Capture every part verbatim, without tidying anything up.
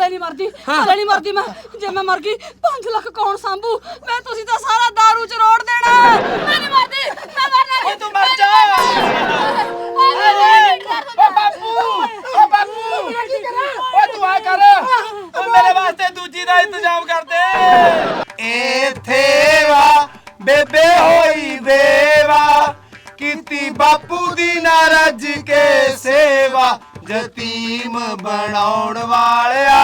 ਹਲੇ ਨਹੀਂ ਮਰਦੀ ਹਲੇ ਨਹੀਂ ਮਰਦੀ ਮੈਂ ਜੇ ਮੈਂ ਮਰ ਗਈ ਪੰਜ ਲੱਖ ਕੌਣ ਸੰਭੂ ਮੈਂ ਤੁਸੀਂ ਤਾਂ ਸਾਰਾ ਦਾਰੂ ਚ ਰੋੜ ਦੇਣਾ ਮੈਂ ਨਹੀਂ ਮਰਦੀ ਮੈਂ ਮਰਨਾ ਓਏ ਤੂੰ ਮਰ ਜਾ ਓ ਬਾਪੂ ਓ ਬਾਪੂ ਓ ਤੂੰ ਆ ਕਰ ਓ ਮੇਰੇ ਵਾਸਤੇ ਦੂਜੀ ਦਾ ਇੰਤਜ਼ਾਮ ਕਰ ਦੇ ਇੱਥੇ ਵਾ ਬੇਬੇ ਹੋਈ ਬੇਵਾ ਕੀਤੀ ਬਾਪੂ ਦੀ ਨਾ ਰੱਜ ਕੇ ਸੇਵਾ ਯਤੀਮ ਬਣਾਉਣ ਵਾਲਿਆ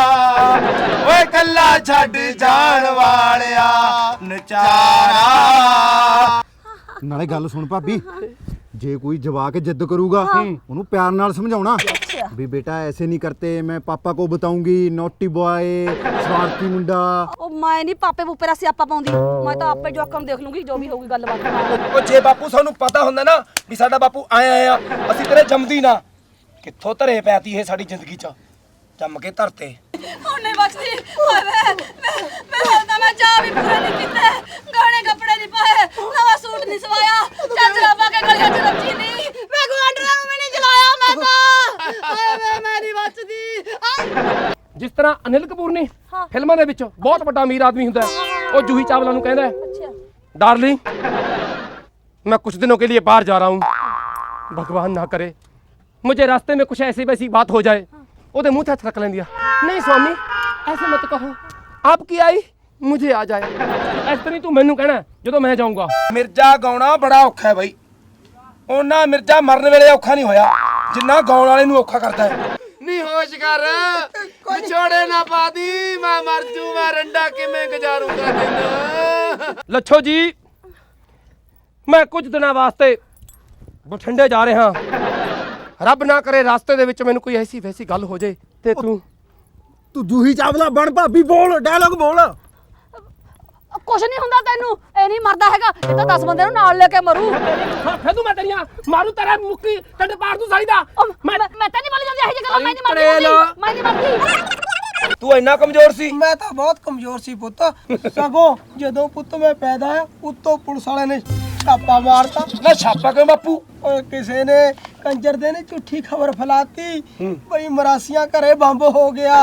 ਓਏ ਕੱਲਾ ਛੱਡ ਜਾਣ ਵਾਲਿਆ ਨਚਾਰਾ। ਨਾਲੇ ਗੱਲ ਸੁਣ ਭਾਬੀ ਜੇ ਕੋਈ ਜਵਾਕ ਜਿੱਦ ਕਰੂਗਾ ਉਹਨੂੰ ਪਿਆਰ ਨਾਲ ਸਮਝਾਉਣਾ ਵੀ बेटा ऐसे नहीं करते मैं पापा को बताऊंगी नॉटी बॉय शरारती मुंडा ਉਹ ਮੈਂ ਨਹੀਂ ਪਾਪੇ ਬੂਪੇ ਦਾ ਸਿਆਪਾ ਪਾਉਂਦੀ ਮੈਂ ਤਾਂ ਆਪੇ ਜਵਾਕਾਂ ਨੂੰ ਦੇਖ ਲੂੰਗੀ ਜੋ ਵੀ ਹੋਊਗੀ ਗੱਲਬਾਤ ਉਹ ਜੇ ਬਾਪੂ ਸਾਨੂੰ ਪਤਾ ਹੁੰਦਾ ਨਾ ਵੀ ਸਾਡਾ ਬਾਪੂ ਆਇਆ ਆ ਅਸੀਂ ਤੇਰੇ ਜੰਮਦੀ ਨਾ ਕਿੱਥੋਂ ਧਰੇ ਪੈਤੀ ਇਹ ਸਾਡੀ ਜ਼ਿੰਦਗੀ 'ਚ ਜੰਮ ਕੇ ਧਰਤੇ ਹੁਣ ਨਹੀਂ ਬਖਸ਼ਦੀ ਓਏ ਮੈਂ ਮੈਂ ਤਾਂ ਮੈਂ ਚਾਹ ਵੀ ਪੂਰਾ ਨਹੀਂ ਕੀਤਾ ਗਾਣੇ ਕੱਪੜੇ ਨਹੀਂ ਪਾਏ ਨਵਾਂ ਸੂਟ ਨਹੀਂ ਸਵਾਇਆ ਚਾਦਰਾਂ ਪਾ ਕੇ ਗਲੀਆਂ 'ਚ ਰੱਜੀ ਨਹੀਂ ਮੈਂ ਗੁਆਂਢੀਆਂ ਨੂੰ ਵੀ ਨਹੀਂ ਜਲਾਇਆ ਮੈਂ ਤਾਂ ਓਏ ਮੈਂ ਮੈਂ ਨਹੀਂ ਬਚਦੀ ਜਿਸ ਤਰ੍ਹਾਂ ਅਨਿਲ ਕਪੂਰ ਨੇ ਫਿਲਮਾਂ ਦੇ ਵਿੱਚ ਬਹੁਤ ਵੱਡਾ ਅਮੀਰ ਆਦਮੀ ਹੁੰਦਾ ਹੈ ਉਹ ਜੂਹੀ ਚਾਵਲਾ ਨੂੰ ਕਹਿੰਦਾ ਹੈ डार्लिंग मैं कुछ दिनों के लिए बाहर जा रहा हूँ भगवान ना करे मुझे रास्ते में कुछ ऐसी वैसी बात हो जाए ओदे मुंह हथ रख लेंदिया नहीं स्वामी ऐसे मत कहो आपकी आई मुझे आ जाए इस तरह तू मैनू कहना जो मैं जाऊंगा ਮਿਰਜ਼ਾ ਗਾਉਣਾ ਬੜਾ ਔਖਾ ਹੈ ਬਾਈ ਉਹਨਾਂ ਮਿਰਜ਼ਾ ਮਰਨ ਵੇਲੇ ਔਖਾ ਨਹੀਂ ਹੋਇਆ ਜਿੰਨਾ ਗਾਉਣ ਵਾਲੇ ਨੂੰ ਔਖਾ ਕਰਦਾ ਹੈ ਨੀ ਹੋਸ਼ ਕਰ ਵਿਛੋੜੇ ਨਾ ਪਾਦੀ ਮੈਂ ਮਰ ਜੂ ਮੈਂ ਰੰਡਾ ਕਿਵੇਂ ਗੁਜ਼ਾਰੂਗਾ ਦਿਨ ਲੱਛੋ ਜੀ ਮੈਂ ਕੁਝ ਦਿਨਾਂ ਵਾਸਤੇ ਬਠਿੰਡੇ ਜਾ ਰਿਹਾ ਰੱਬ ਨਾ ਕਰੇ ਰਾਸਤੇ ਦੇ ਵਿੱਚ ਮੈਨੂੰ ਕੋਈ ਐਸੀ ਵੈਸੀ ਗੱਲ ਹੋ ਜਾਏ ਤੇ ਤੂੰ ਤੂੰ ਜੂਹੀ ਚਾਵਲਾ ਬਣ ਭਾਬੀ ਬੋਲ ਡਾਇਲੌਗ ਬੋਲ ਕੁਛ ਨਹੀਂ ਹੁੰਦਾ ਤੈਨੂੰ ਇਹ ਨਹੀਂ ਮਰਦਾ ਹੈਗਾ ਇਹ ਤਾਂ ਦਸ ਬੰਦੇ ਨੂੰ ਨਾਲ ਲੈ ਕੇ ਮਰੂ ਫੇ ਤੂੰ ਮੈਂ ਤੇਰੀਆਂ ਮਾਰੂ ਤੇਰਾ ਮੁੱਕੀ ਟੱਡ ਪਾੜ ਤੂੰ ਸਾਲੀ ਦਾ ਮੈਂ ਮੈਂ ਤਾਂ ਨਹੀਂ ਬੋਲੀ ਜਾਂਦੀ ਇਹ ਗੱਲਾਂ ਮੈਂ ਨਹੀਂ ਮਰਦੀ ਮੈਂ ਨਹੀਂ ਮਰਦੀ ਤੂੰ ਇੰਨਾ ਕਮਜ਼ੋਰ ਸੀ ਮੈਂ ਤਾਂ ਬਹੁਤ ਕਮਜ਼ੋਰ ਸੀ ਪੁੱਤ ਸਗੋਂ ਜਦੋਂ ਪੁੱਤ ਮੈਂ ਪੈਦਾ ਹੋਇਆ ਉੱਤੋਂ ਪੁਲਿਸ ਵਾਲਿਆਂ ਨੇ ਛਾਪਾ ਮਾਰਤਾ ਨਾ ਛਾਪਾ ਕਿਉਂ ਬਾਪੂ ਓਏ ਕਿਸੇ ਨੇ ਕੰਜਰ ਦੇ ਨੇ ਝੂਠੀ ਖਬਰ ਫੈਲਾਤੀ ਬਈ ਮਰਾਸੀਆਂ ਘਰੇ ਬੰਬ ਹੋ ਗਿਆ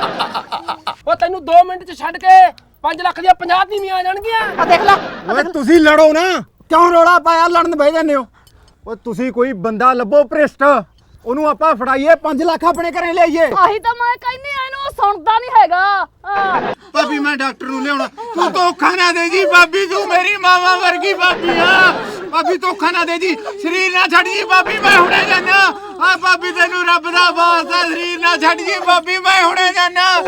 ਉਹ ਤੈਨੂੰ ਦੋ ਮਿੰਟ ਚ ਛੱਡ ਕੇ ਪੰਜ ਲੱਖ ਦੀਆਂ ਪੰਜਾਹ ਨੀਵੀਆਂ ਆ ਜਾਣਗੀਆਂ ਆ ਦੇਖ ਲੈ ਓਏ ਤੁਸੀਂ ਲੜੋ ਨਾ ਕਿਉਂ ਰੋਲਾ ਪਾਇਆ ਲੜਨ ਬਹਿ ਜਾਂਦੇ ਹੋ ਓਏ ਤੁਸੀਂ ਕੋਈ ਬੰਦਾ ਲੱਭੋ ਭ੍ਰਿਸ਼ਟ ਉਹਨੂੰ ਆਪਾਂ ਫੜਾਈਏ ਪੰਜ ਲੱਖ ਆਪਣੇ ਘਰੇ ਲਿਆਈਏ ਆਹੀ ਤਾਂ ਮੈਂ ਕਹਿੰਦੀ ਆ ਇਹਨੂੰ ਸੁਣਦਾ ਨਹੀਂ ਹੈਗਾ ਭਾਬੀ ਮੈਂ ਡਾਕਟਰ ਨੂੰ ਲਿਆਉਣਾ ਤੂੰ ਧੋਖਾ ਨਾ ਦੇ ਜੀ ਭਾਬੀ ਤੂੰ ਮੇਰੀ ਮਾਵਾ ਵਰਗੀ ਭਾਬੀ ਆ ਭਾਬੀ ਧੋਖਾ ਨਾ ਦੇ ਜੀ ਸਰੀਰ ਨਾ ਛੱਡ ਜੀ ਭਾਬੀ ਮੈਂ ਹੁਣੇ ਜਾਣਾ ਆ ਭਾਬੀ ਤੈਨੂੰ ਰੱਬ ਦਾ ਵਾਸਤਾ ਸਰੀਰ ਨਾ ਛੱਡ ਜੀ ਭਾਬੀ ਮੈਂ ਹੁਣੇ ਜਾਣਾ